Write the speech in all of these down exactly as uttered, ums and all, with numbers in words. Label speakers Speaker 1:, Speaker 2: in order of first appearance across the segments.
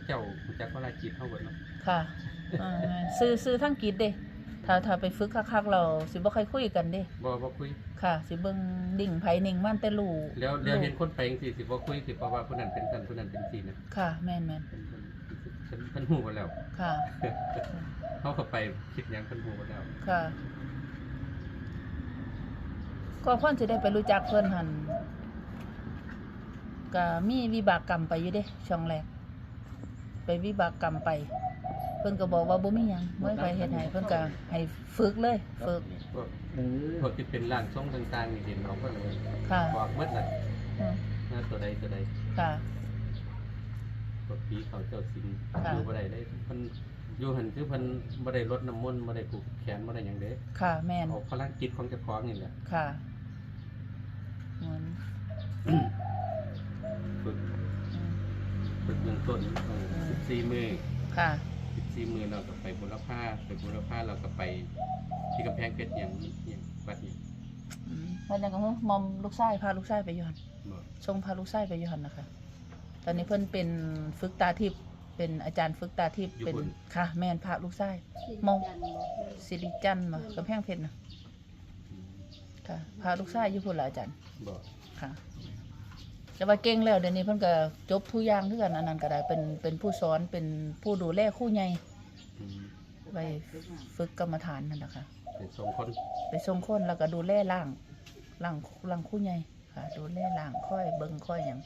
Speaker 1: เจ้าจักว่าลายจิตเฮาเบิดเนาะ
Speaker 2: ค่ะอ่าซื้อซื้อทั้งกิจเด้ถ้าถ้าไปฝึกคักๆเราสิบ่ค่อยคุยกันเด้
Speaker 1: บ่บ่คุย
Speaker 2: ค่ะสิเบิ่งดิ่งไผนิ่งมันแต่รู้
Speaker 1: แล้วแล้วเห็นคนไปจังซี่สิบ่คุยสิเพราะว่าผู้นั้นเป็นซั่นผู้นั้นเป็นซี่นะ
Speaker 2: ค่ะแม่นๆ
Speaker 1: เพิ่นเพิ่นเพิ่นฮู้บ่แล้ว
Speaker 2: ค่ะ
Speaker 1: เฮาเข้าไปคิดหยังเพิ่นฮู้บ่แล้ว
Speaker 2: ค่ะก็ควรสิได้ไปรู้จักเพิ่นหั่นก็มีวิบากกรรมไปอยู่เด้ช่วงแรกไปวิบากกรรมไปเพิ่นก็บอกว่าบ่มีหยังบ่ให้ไปเฮ็ดให้เพิ่นก็ให้ฝึกเลยฝึก
Speaker 1: พวกพวกที่เป็นร่างทรงต่างๆนี่เห็นเอาก็เลย
Speaker 2: ค่ะ
Speaker 1: บอกหมดน่ะ
Speaker 2: อือ
Speaker 1: นะตัวใดตัวใด
Speaker 2: ค่ะ
Speaker 1: พวกผีเขาเจ้าสิงอยู่บ่ได้เลยเพิ่นอยู่หั่นคือเพิ่นบ่ได้รดน้ำมนต์บ่ได้ผูกแขนบ่ได้หยังเด้
Speaker 2: ค่ะแม่น
Speaker 1: เอาพลังจิตของเจ้าของนี่แหละ
Speaker 2: ค่ะเหมือน
Speaker 1: ฝึกฝึกเบื้องต้นสิบสี่มื้อ
Speaker 2: ค่ะ
Speaker 1: สิบสี่มื้อเราก็ไปบุรพาไปบุรพาเราก็ไปที่กำแพงเพชรหยังหยังวัดนี้
Speaker 2: อืมวันนั้นก็มอมลูกชายพาลูกชายไปอยู่หั่น
Speaker 1: บ่
Speaker 2: ส่งพาลูกชายไปอยู่หั่นนะคะตอนนี้เพิ่นเป็นฝึกตาทิพย์เป็นอาจารย์ฝึกตาทิพย์เป็นค่ะแม่นพาลูกชายมองสิริจันทร์มากำแพงเพชรน่ะค่ะพาลูกชายอยู่พุ่นล่ะอาจารย์
Speaker 1: บ่
Speaker 2: ค่ะแต่ว่าเก่งแล้วเดี๋ยวนี้เพิ่นก็จบทุกอย่างคือกันอันนั้นก็ได้เป็นเป็นผู้สอนเป็นผู้ดูแลครูใหญ่ไปฝึกกรรมฐานนั่นแหละค่ะ
Speaker 1: ไปส่งคน
Speaker 2: ไปส่งคนแล้วก็ดูแลล่างล่างล่างครูใหญ่ค่ะดูแลล่างค่อยเบิ่งค่อยหยัง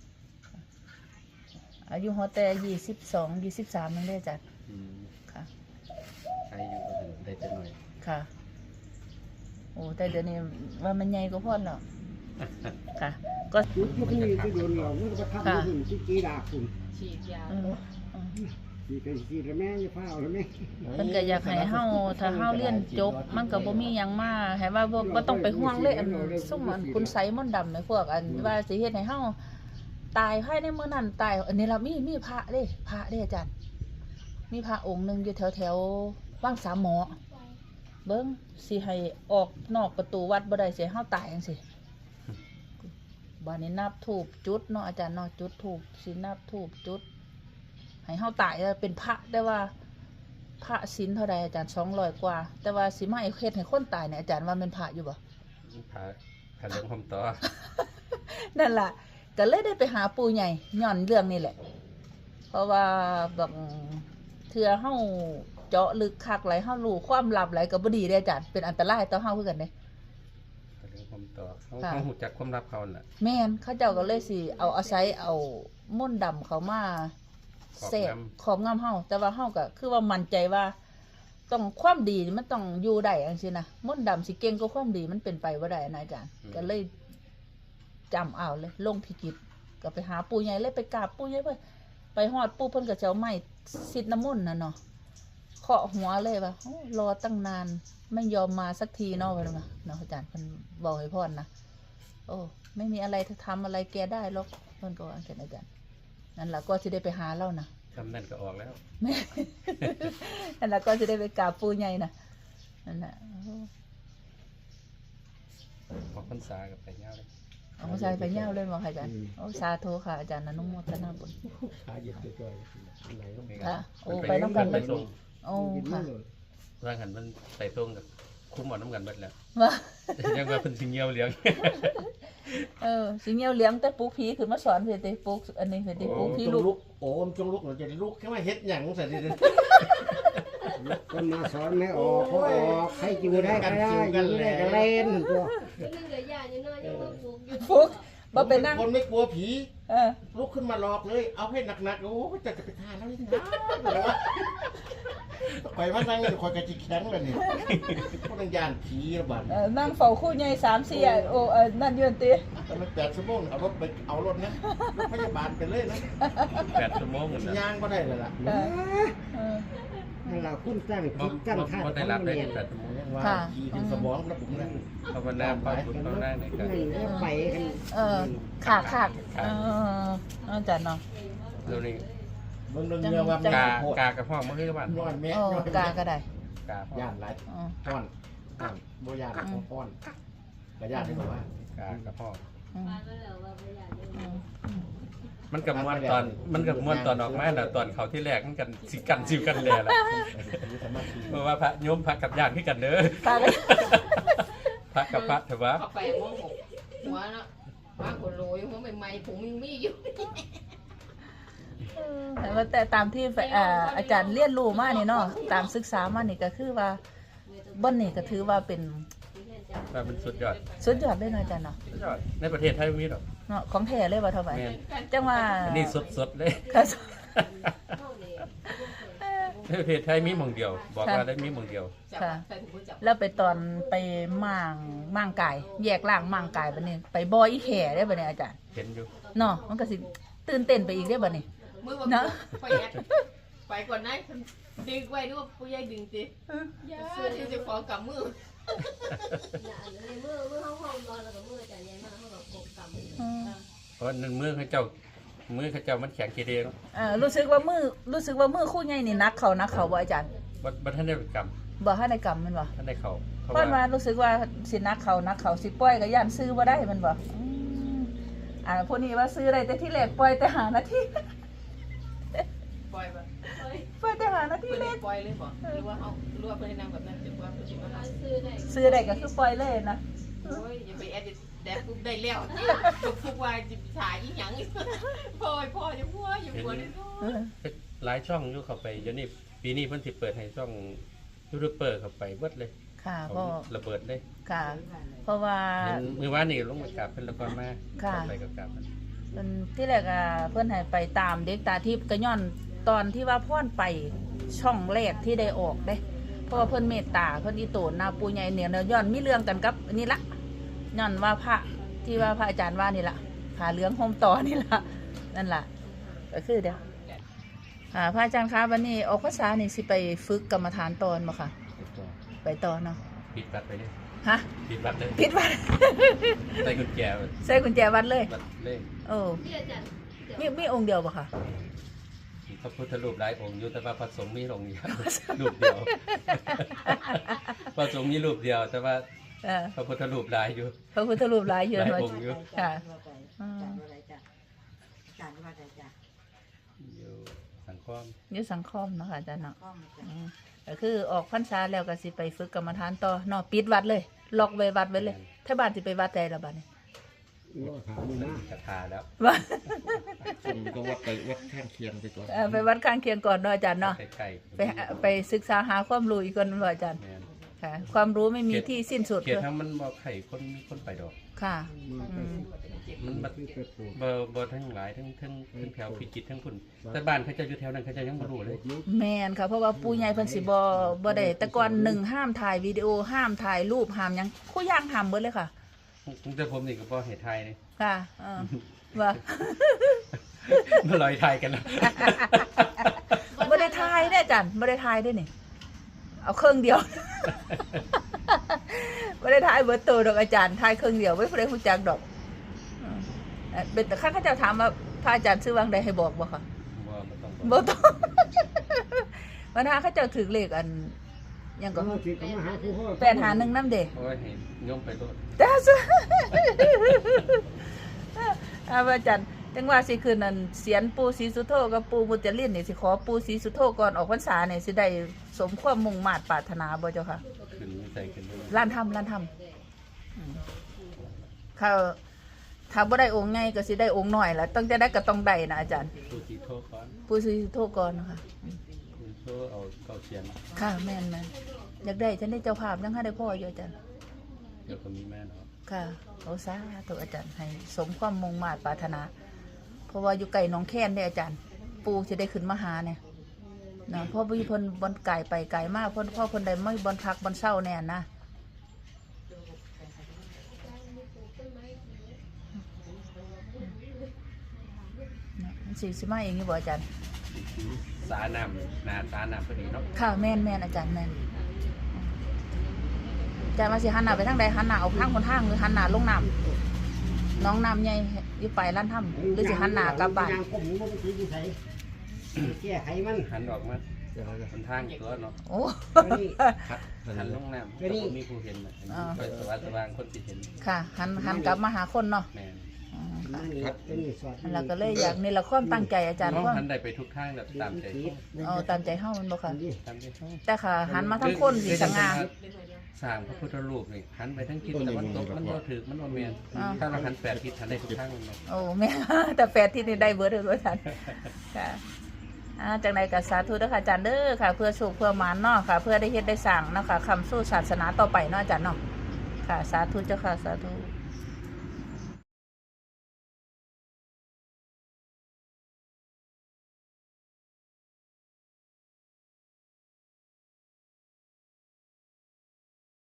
Speaker 2: อายุฮอดแต่ยี่สิบสอง ยี่สิบสามนั่นเด้อจ้ะ
Speaker 1: อืม
Speaker 2: ค่ะ
Speaker 1: ใครอยู่ก็ได้แต่น้อย
Speaker 2: ค่ะโอ้แต่เดี๋ยวนี้ว่ามันใหญ่กว่าพ่อแล้วค่ะก็
Speaker 3: ยุคที่ที่โดนเรามันก็ทำให้หุ่นที่จีดาคุณ
Speaker 2: ฉีดยา
Speaker 3: จีกันจีแล้วแม่จะเฝ้าแล้วแม่
Speaker 2: เพิ่นก็อยากให้เฮาถ้าเฮาเรียนจบมันก็บ่มีหยังมาให้ว่าบ่บ่ต้องไปห่วงเลยอันซุ่มอันคุณไสมนต์ดำในพวกอันว่าสิเฮ็ดให้เฮาตายภายในมื้อนั้นตายอันนี้ล่ะมีมีพระเด้พระเด้อาจารย์มีพระองค์นึงอยู่แถวๆวังสามหมอเบิ่งสิให้ออกนอกประตูวัดบ่ได้สิให้เฮาตายจังซี่บ้านนี้นับธูปจุดเนาะอาจารย์เนาะจุดธูปสินับธูปจุดให้เฮาตายเป็นพระแต่ว่าพระศีลเท่าใดอาจารย์สองร้อยกว่าแต่ว่าสิมาเฮ็ดให้คนตายเนี่ยอาจารย์ว่าเป็นพระอยู่บ่
Speaker 1: พระพระหลวงพ่อต่อ
Speaker 2: นั่นล่ะก็เลยได้ไปหาปู่ใหญ่ย้อนเรื่องนี้แหละเพราะว่าบางเทื่อเฮาเจาะลึกคักหลายเฮารู้ความลับหลายก็บ่ดีเด้อาจารย์เป็นอันตรายต่อเฮาคือกันเด้
Speaker 1: ผมต่อเขาเขาหูจักความลับเขาน่ะ
Speaker 2: แม่นเขาเจ้าก็เลยสิเอาอาศัยเอามนต์ดำเขามาเสพขอบงำเฮาแต่ว่าเฮาก็คือว่ามั่นใจว่าต้องความดีมันต้องอยู่ได้จังซี่นะมนต์ดำสิเก่งกว่าความดีมันเป็นไปบ่ได้นะอาจารย์ก็เลยจำเอาเลยลงพิกิจก็ไปหาปู่ใหญ่เลยไปกราบปู่ใหญ่ไปไปฮอดปู่เพิ่นก็จะเอาไม้ซิดน้ำมนต์น่ะเนาะเคาะหัวเลยว่าโอ้รอตั้งนานไม่ยอมมาสักทีเนาะว่าเนาะเนาะอาจารย์เพิ่นบอกให้พ่อนะโอ้ไม่มีอะไรจะทำอะไรแกได้หรอกเพิ่นก็ว่าจังอาจารย์นั่นล่ะก็สิได้ไปหาเรานะ
Speaker 1: ทำนั่นก็ออกแล้ว
Speaker 2: นั่นล่ะก็สิได้ไปกราบปู่ใหญ่น่ะนั่นน่ะ
Speaker 1: ออกพรรษากับไปยาวเลย
Speaker 2: ออกพรรษาไปยาวเลยบ่ค่ะอาจารย์โอ้สาธุค่ะอาจารย์อนุโมทนาบุญ
Speaker 3: ขาเหยียบจ่อยๆไหนก็ไป
Speaker 2: ค่ะโอ้ไปนำกันไปส่งโอ้ค่ะ
Speaker 1: ร่างหันมันใส่ตรงกับคุ้มหมดน้ำกันหมดแล้ว
Speaker 2: ว่า
Speaker 1: ยังว่าเป็นสิงเงียวเลี้ยง
Speaker 2: เออสิงเงียวเลี้ยงแต่ปลูกผีขึ้นมาสอนเพิ่นติปลูกอันนี้เพิ่นติปลูกผีลูก
Speaker 3: โอ้มจงลุกเราจะลุกแค่ว่าเฮ็ดหยังใส่ดิคนมาสอนไม่ออกพอออกให้อยู่ได้ก็ได้อยู่ได้ก็เล่นตัว
Speaker 4: นึงเหลือยาอยู่น้อยยังบ่ฟุกอยู่
Speaker 2: ฟุกบ่เป็นนั่ง
Speaker 3: คนไม่กลัวผี
Speaker 2: เออ
Speaker 3: ลุกขึ้นมาหลอกเลยเอาให้หนักๆโอ้จะจะไปทานแล้วนี่นะไปมานั่งคอยกระจิกแข็งเลยนี่พวกนังยานผีระบาด
Speaker 2: เออนั่งเฝ้าคู่ใหญ่ สามสี่ โอ้เออนั่นยืนติ
Speaker 3: แต่มันแปดชั่วโมงเอารถไปเอารถนะรถพยาบาลไปเลยนะ
Speaker 1: แปดชั่วโมง
Speaker 3: ย่างบ่ได้เลยล่ะเออนั่นล่ะคุณตั้งคิดตั้งท่า
Speaker 1: ได้รับได้แปดชั่วโมง
Speaker 3: ว่าขี่เป็นสมองระบบนั้น
Speaker 1: ภาวนาไปบุญภาวนาไหนกัน
Speaker 3: ไปกัน
Speaker 2: เออขาขาดเอออาจารย์เนาะ
Speaker 1: เดี๋ยวนี้
Speaker 3: เบิ่งเรื่องเรือว่าก
Speaker 1: ากากระห้องมันคือบ้าน
Speaker 3: นอนแม่
Speaker 2: โอ้กาก็ได้
Speaker 1: กา
Speaker 3: ย่านหลายป้อนป้อนบ่ย่านของป้อนก็ย่านได้บอกว่าก
Speaker 1: ากระห้อง
Speaker 2: อืม
Speaker 4: ปานมาแล้วว่าบ่อยากอยู่
Speaker 2: อื
Speaker 4: เนาะ
Speaker 2: ม
Speaker 1: มันกับม้วนตอนมันกับม้วนตอนออกมาน่ะตอนเขาที่แรกมันกันสิกันซิวกันแลล่ะเพราะว่าพระโยมพระกับญาติคือกันเด้อ
Speaker 2: พากัน
Speaker 1: พระกับพระเถอะวะ
Speaker 5: เข้าไปมองหกหัวเนาะว่าคนโรยหัวใหม่ๆผมยังมีอยู่
Speaker 2: แต่ว่าแต่ตามที่เอ่ออาจารย์เรียนรู้มานี่เนาะตามศึกษามานี่ก็คือว่าบ่นนี่ก็ถือว่าเป็น
Speaker 1: ว่ามันสุดยอด
Speaker 2: สุดยอดเลยเนาะอาจารย์เนาะ
Speaker 1: สุดยอดในประเทศไทยไม่มีหรอก
Speaker 2: เนาะของแท้เลยว่าเท่าไหร่
Speaker 1: แม่น
Speaker 2: จังว่า
Speaker 1: อันนี้สดๆเลย
Speaker 2: ค่ะ
Speaker 4: เฮานี่
Speaker 1: ในประเทศไทยมีหม่องเดียว บอกว่าได้มีหม่องเดียว
Speaker 5: จับใส่ถุงมือจับ
Speaker 2: แล้วไปตอนไปม่างม่างกาย แยกล่างม่างกายบัดนี้ไปบ่ออีแข่ได้บัดนี้อาจารย์
Speaker 1: เห็นอยู่
Speaker 2: เนาะมันก็สิตื่นเต้นไปอีกได้บัดนี้
Speaker 5: มือ
Speaker 2: เนาะ
Speaker 5: ไปแอบไปก่อนนะดึงไว้ด้วยผู้ใหญ่ดึงติย่าที่จะขอกำมือ
Speaker 4: น่ะในมือมือเฮาห้องนอนแล้วก็มืออาจารย์ใหญ่มาเฮาก็กบกำ
Speaker 2: อืม
Speaker 1: เพราะนั่นมือเขาเจ้ามือเขาเจ้ามันแข็งเกเรเนาะ
Speaker 2: เออรู้สึกว่ามือรู้สึกว่ามือคู่ใหญ่นี่นักเขานักเขาบ่อาจารย์
Speaker 1: บ่บ่ทันได้กรรม
Speaker 2: บ่ให้ในกรรมแมันบ่
Speaker 1: ท่านได้เข้าเพราะ
Speaker 2: เพิ่นว่า
Speaker 1: ว่า
Speaker 2: รู้สึกว่าสินักเขานักเขาสิปล่อยก็ย่านซื้อบ่ได้แมันบ่อืมอ่าพวกนี้ว่าซื้อได้แต่ที่แรกปล่อยแต่หานาที
Speaker 5: ปล่อยปะ
Speaker 4: เฮ้ย
Speaker 2: ปล่อยแต่หานาที
Speaker 5: เพื่อน
Speaker 2: แร
Speaker 5: ให้
Speaker 2: ก
Speaker 5: ปล่อยเลยบอกหรือว่าเอาหรือว่าเพื่อนให้นำแบบนั้นจะว่าเพื่อนจะมา
Speaker 4: หา
Speaker 5: หา
Speaker 4: ซื้อได้
Speaker 2: ซื้อได้ก็คือปล่อยเลยนะ
Speaker 5: โอ้ยอย่าไปแอดแดกปุ๊บได้แล้วปุ๊บปุ๊บว่าจะฉายอีหยังพ่อพ่อจะพ่ออย่าปวดเลย
Speaker 2: เออ
Speaker 1: หลายช่องอยู่เข้าไปเดี๋ยวนี้ปีนี้เพิ่นสิเปิดให้ช่องยูทูบเบอร์เข้าไปเบิดเลย
Speaker 2: ค่ะ
Speaker 1: เอา
Speaker 2: พ่อ
Speaker 1: ระเบิดเลย
Speaker 2: ค่ะ เพราะว่า
Speaker 1: เห็นมือว่านนี่ลงมากราบเพิ่นแล้วก่อนมา
Speaker 2: ค่ะ
Speaker 1: ไปกับกราบมัน
Speaker 2: เพิ่นที่แรกอ่ะเพิ่นให้ไปตามเด็กตาทิพย์ก็ย้อนตอนที่ว่าพ่อนไปช่องแรกที่ได้ออกเด้ เพราะว่าเพิ่นเมตตาเพิ่นอีโตนนาปูใหญ่เนี่ยย้อนมีเรื่องกันกับอันนี่ละย้อนว่าพระที่ว่าพระอาจารย์ว่านี่ละผ่าเหลืองห่มต่อนี่ละนั่นล่ะก็คือเดี๋ยวค่ะพระอาจารย์คะวันนี้ออกพรรษานี่สิไปฝึกกรรมฐานตอนบ่ค่ะ ไปต่อเนาะ
Speaker 1: ปิดบัตรไปเลย
Speaker 2: ฮะ
Speaker 1: ปิดบัตรเลย
Speaker 2: ผิดวัด
Speaker 1: ใส่กุญแจไว้
Speaker 2: ใส่กุญแจวัดเลย
Speaker 1: บัตรเลข
Speaker 2: โอ้
Speaker 4: ที่อาจารย์
Speaker 2: มีมีองค์เดียวบ่ค่ะ
Speaker 1: มีพระพุทธรูปหลายองค์อยู่แต่ว่าพระสงฆ์มีองค์เดียว รูปเดียว พระสงฆ์มีรูปเดียว แต่ว่า
Speaker 2: เออ
Speaker 1: พระพุทธรูปหลายอยู่
Speaker 2: พระพุทธรูปหลายอยู่
Speaker 1: หลาย
Speaker 2: เนาะ
Speaker 1: องค์อยู่
Speaker 2: ค่ะ
Speaker 1: อยู่สังคม
Speaker 2: อยู่สังคมเนาะค่ะอาจารย์เนาะอืมก็คือออกพรรษาแล้วก็สิไปฝึกกรรมฐานต่อเนาะปิดวัดเลย ล็อกไว้วัดไว้เลยถ้าบ้านสิไปวัดใดละบัดนี้
Speaker 3: รอถามมันนะ
Speaker 1: กระทาแล้ว
Speaker 2: ว่า
Speaker 3: ผมก็ว่าไปวัดข้างเคียงไปก่อน
Speaker 2: เอ่อไปวัดข้างเคียงก่อนเนาะอาจารย์เนาะ
Speaker 1: ใกล้
Speaker 2: ไปหาไปศึกษาหาความรู้อีกคนเนาะอาจารย์
Speaker 1: ๆแม่น
Speaker 2: ค่ะ ความรู้ไม่มีที่สิ้นสุด
Speaker 1: เขตทั้งมันบ่ไข่คนมีคนไปดอก
Speaker 2: ค่ะ
Speaker 3: มาไป
Speaker 2: อืม
Speaker 1: มันบัด
Speaker 3: ที่ไปปลูก
Speaker 1: บ่บ่ทั้งหลายทั้งทั้งทั้งแถวพิจิตรทั้งคุณแต่บ้านเขาเจะอยู่แถวนั้นเขาเจะยังบ่รู้เลย
Speaker 2: แม่นค่ะเพราะว่าปู่ใหญ่เพิ่นสิบ่บ่ได้แต่ก่อนหนึ่งห้ามถ่ายวิดีโอห้ามถ่ายรูปห้ามหยังคู่ย่างห้ามเบิดเลยค่ะ
Speaker 1: แต่ผมนี่ก็บ่เฮ็ดไทยนี่
Speaker 2: ค่ะเออว่า
Speaker 1: มาลอยไทยกันแล้ว
Speaker 2: บ่ได้ถ่ายได้ออาจารย์บ่ได้ถ่ายได้นี่ เอาเครื่องเดียว บ่ได้ถ่ายเบิดตัวดอกอาจารย์ถ่ายเครื่องเดียวไว้บ่ได้ฮู้จักดอกอืมเอ่อเป็นแต่ข้าเขาเจ้าถามว่าพระอาจารย์ซื้อวางใดให้บอกบ่ค่ะ
Speaker 1: บ่บ่ต้อง
Speaker 2: บ่ต้อง วันหาเขาเจ้าถือเลขอันหยังก็
Speaker 3: ก็ที่เขามาหาผู้พ่อ
Speaker 2: แปดหาหนึ่งนำเด้
Speaker 1: โอ้ยให้โยมไปโลด
Speaker 2: แต่ซะ อาอาจารย์จังว่าสิคืนนั้นเสียนปู่ศรีสุโธกับปู่มุจลินนี่สิขอปู่ศรีสุโธก่อนออกพรรษานี่สิได้สมความมุ่งมา่ปรารถนาบ่เจ้าค่ะ
Speaker 1: ขึ้นใส่ขึ้นเลย
Speaker 2: ร้านทำร้านทำอืมถ้าถ้าบ่ได้องค์ใหญ่ก็สิได้องค์น้อยล่ะต้องจะได้ก็ต้องได้นะอาจารย์
Speaker 1: ผู้ที่โทษก่อน
Speaker 2: ปู่ศรีสุโธก่อนนะคะ
Speaker 1: ผู้โทษเอาเก้าเสียน
Speaker 2: ค่ะแม่นแม่นอยากได้ฉันได้เจ้าภาพยังหาได้พ่ออยู่อาจารย์
Speaker 1: เดี๋ยวก็มีแม่เนาะ
Speaker 2: ค่ะโอสาธุอาจารย์ให้สมความมุ่งมา่ปรารถนา เพราะว่าอยู่ไกลหน้องแค้นเด้อาจารย์ ปู่จะได้ขึ้นมาหาเนี่ยนะเพราะพี่เพิ่นบนไก่ไปไก่มากเพิ่นพ่อเพิ่นได้ไม่บนพักบนเศร้าแน่นะนะมันสิสิมาเองนี่บ่อาจารย์
Speaker 1: สาน้ำหนาสาน้ำพอดีเนาะ
Speaker 2: ค่ะแม่นแม่นอาจารย์แม่นอาจารย์มาสิหันหน้าไปทางใดหันหน้าออกทางคนทางหรือหันหน้าลงน้ำน้องน้ำใหญ่อยู่ไปร้านถ้ำหรือสิหันหน้ากลับบ้าน
Speaker 3: ยางก้มมันไปที่ใส่แก้ไขมัน
Speaker 1: หันออกมาคนทางตัวเนาะ
Speaker 2: โอ้
Speaker 3: นี่
Speaker 1: ครับหันลงน้ำ
Speaker 3: ก็นี่
Speaker 1: มีผู้เห็นน่ะไปสว่างสว่างคนสิเห็น
Speaker 2: ค่ะ หันหันกลับมาหาคนเนาะ
Speaker 1: แม่น
Speaker 3: มานี่เป็นสอด
Speaker 2: เราก็เลยอยากนี่ละความตั้งใจอาจารย์
Speaker 1: น้อง
Speaker 2: ความ
Speaker 1: หันได้ไปทุกทางแบบตามใจ
Speaker 2: เอาตามใจเฮามันบ่ค่ะ
Speaker 1: ตามใจเขา
Speaker 2: แต่ค่ะหันมาทั้งคนสิสง่า
Speaker 1: สร้างพระพุทธรูปนี่หันไปทั้งทิศตะวันตกมันบ่ถือมันบ่แม่นถ้าเราหันแปดทิศหันได้ทุกทางเลย
Speaker 2: โอ้แม่ แต่แฟนที่นี่ได้เบิดเลยอาจารย์ค่ะอ่าจากไหนก็สาธุเด้อค่ะอาจารย์เด้อค่ะ เพื่อสุขเพื่อหมานเนาะค่ะ เพื่อได้เฮ็ดได้สร้างเนาะค่ะคำสู้ศาสนาต่อไปเนาะอาจารย์เนาะค่ะ สาธุเจ้าค่ะสาธุ